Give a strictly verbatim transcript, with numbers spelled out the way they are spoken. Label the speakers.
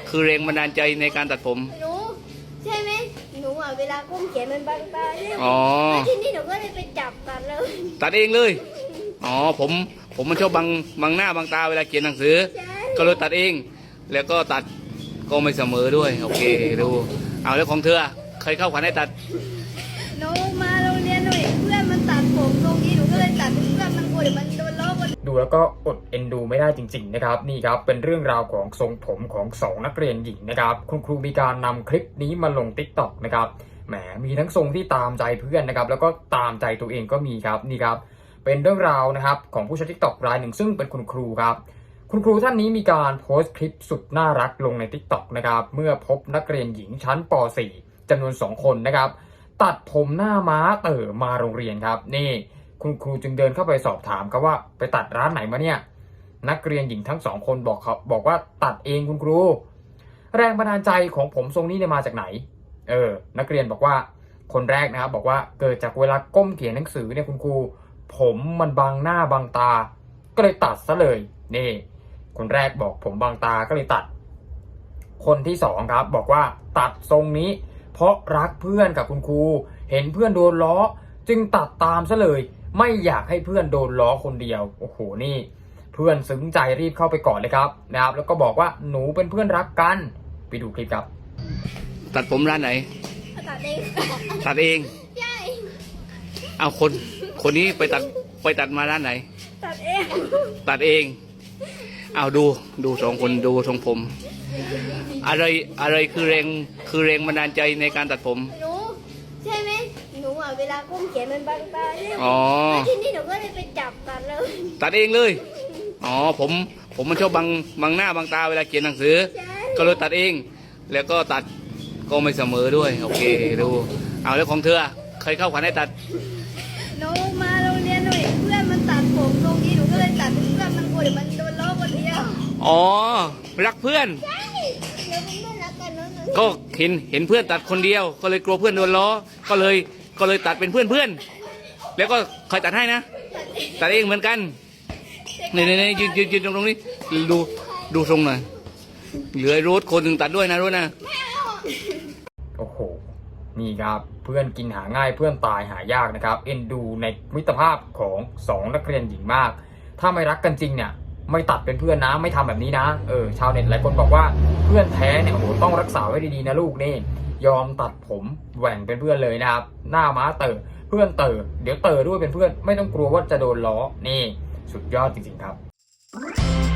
Speaker 1: คือแรงบันดาลใจในการตัดผม
Speaker 2: หนูใช่ไหมหนูอ่ะเวลาก้มเขียนมันบังตาใช่ไหม
Speaker 1: อ๋อ
Speaker 2: แล้วทีนี้หนูก็เลยไปจับตัดเลย
Speaker 1: ตัดเองเลยอ๋อผมผมมันชอบบังบังหน้าบังตาเวลาเขียนหนังสือ
Speaker 2: ใช่
Speaker 1: ก็เลยตัดเอง แล้วก็ตัดก็ไม่เสมอด้วยโอเคดูเอาแล้วของเธอเคยเข้าขวัญให้ตัด
Speaker 2: หนูมาโรงเรียนหนูเห็นเพื่อนมันตัดผมตรงนี้หนูก็เลยตัดเพื่อนมันกลัวเดี๋ยวมันโดนล้อบน
Speaker 3: ดูแล้วก็อดเอ็นดูไม่ได้จริงๆนะครับนี่ครับเป็นเรื่องราวของทรงผมของสองนักเรียนหญิงนะครับคุณครูมีการนำคลิปนี้มาลง ติ๊กต็อก นะครับแหมมีทั้งทรงที่ตามใจเพื่อนนะครับแล้วก็ตามใจตัวเองก็มีครับนี่ครับเป็นเรื่องราวนะครับของผู้ใช้ ติ๊กต็อก รายหนึ่งซึ่งเป็นคุณครูครับคุณครูท่านนี้มีการโพสต์คลิปสุดน่ารักลงใน ติ๊กต็อก นะครับเมื่อพบนักเรียนหญิงชั้นป .สี่ จำนวนสองคนนะครับตัดผมหน้าม้าเต๋อมาโรงเรียนครับนี่คุณครูจึงเดินเข้าไปสอบถามครับว่าไปตัดร้านไหนมาเนี่ยนักเรียนหญิงทั้งสองคนบอกครับบอกว่าตัดเองคุณครูแรงบันดาลใจของผมทรงนี้เนี่ยมาจากไหนเออนักเรียนบอกว่าคนแรกนะครับบอกว่าเกิดจากเวลาก้มเขียนหนังสือเนี่ยคุณครูผมมันบังหน้าบังตาก็เลยตัดซะเลยนี่คนแรกบอกผมบังตาก็เลยตัดคนที่สองครับบอกว่าตัดทรงนี้เพราะรักเพื่อนกับคุณครูเห็นเพื่อนโดนล้อจึงตัดตามซะเลยไม่อยากให้เพื่อนโดนล้อคนเดียวโอ้โหนี่เพื่อนซึ้งใจรีบเข้าไปกอดเลยครับนะครับแล้วก็บอกว่าหนูเป็นเพื่อนรักกันไปดูคลิปครับ
Speaker 1: ตัดผมร้านไหน
Speaker 2: ตัดเอง
Speaker 1: ตัดเอง
Speaker 2: ใช่
Speaker 1: เอาคนคนนี้ไปตัดไปตัดมาร้านไหน
Speaker 2: ตัดเอง
Speaker 1: ตัดเองเอาดูดูสองคนดูทรงผม อะไรอะไรคือแรงคือแรงบันดาลใจในการตัดผม
Speaker 2: หนูใช่ไหมหนูอ่ะเวลาก้มเขียนมันบังตาใช่ไหม
Speaker 1: อ๋อ
Speaker 2: แล้วทีนี้หนูก็เลยไปจับตัดเลย
Speaker 1: ตัดเองเลยอ๋อผมผมมันชอบบังบังหน้าบังตาเวลาเขียนหนังสือ
Speaker 2: ใช่
Speaker 1: ก็เลยตัดเอง แล้วก็ตัดก็ไม่เสมอด้วยโอเคดูเอาแล้วของเธอเคยเข้าขวัญให้ตัด
Speaker 2: หนูมาโรงเรียนหนูเห็นเพื่อนมันตัดผมตรงนี้หนูก็เลยตัดเพื่อนมันกลัวเดี๋ยวมันโดนล้อคนเดียว
Speaker 1: อ๋อรักเพื่อน
Speaker 2: ใช่เดี๋ยวเป็นเพื่อนรักกันเนอะ
Speaker 1: ก็เห็นเห็นเพื่อนตัดคนเดียว ก็เลยกลัวเพื่อนโดนล้อก็เลยก็เลยตัดเป็นเพื่อนเพื่อนแล้วก็ใครตัดให้นะตัดเองเหมือนกันนี่นี่นี่ยืนยืนยืนตรงนี้ดูดูทรงหน่อยเหลือรูทคนหนึ่งตัดด้วยนะรูทนะ
Speaker 3: โอ้โหนี่ครับเพื่อนกินหาง่ายเพื่อนตายหายากนะครับเอ็นดูในมิตรภาพของสองนักเรียนหญิงมากถ้าไม่รักกันจริงเนี่ยไม่ตัดเป็นเพื่อนนะไม่ทำแบบนี้นะเออชาวเน็ตหลายคนบอกว่าเพื่อนแท้เนี่ยโอ้โหต้องรักษาไว้ดีๆนะลูกนี่ยอมตัดผมแหว่งเป็นเพื่อนเลยนะครับหน้าม้าเต๋อเพื่อนเต๋อเดี๋ยวเต๋อด้วยเป็นเพื่อนไม่ต้องกลัวว่าจะโดนล้อนี่สุดยอดจริงๆครับ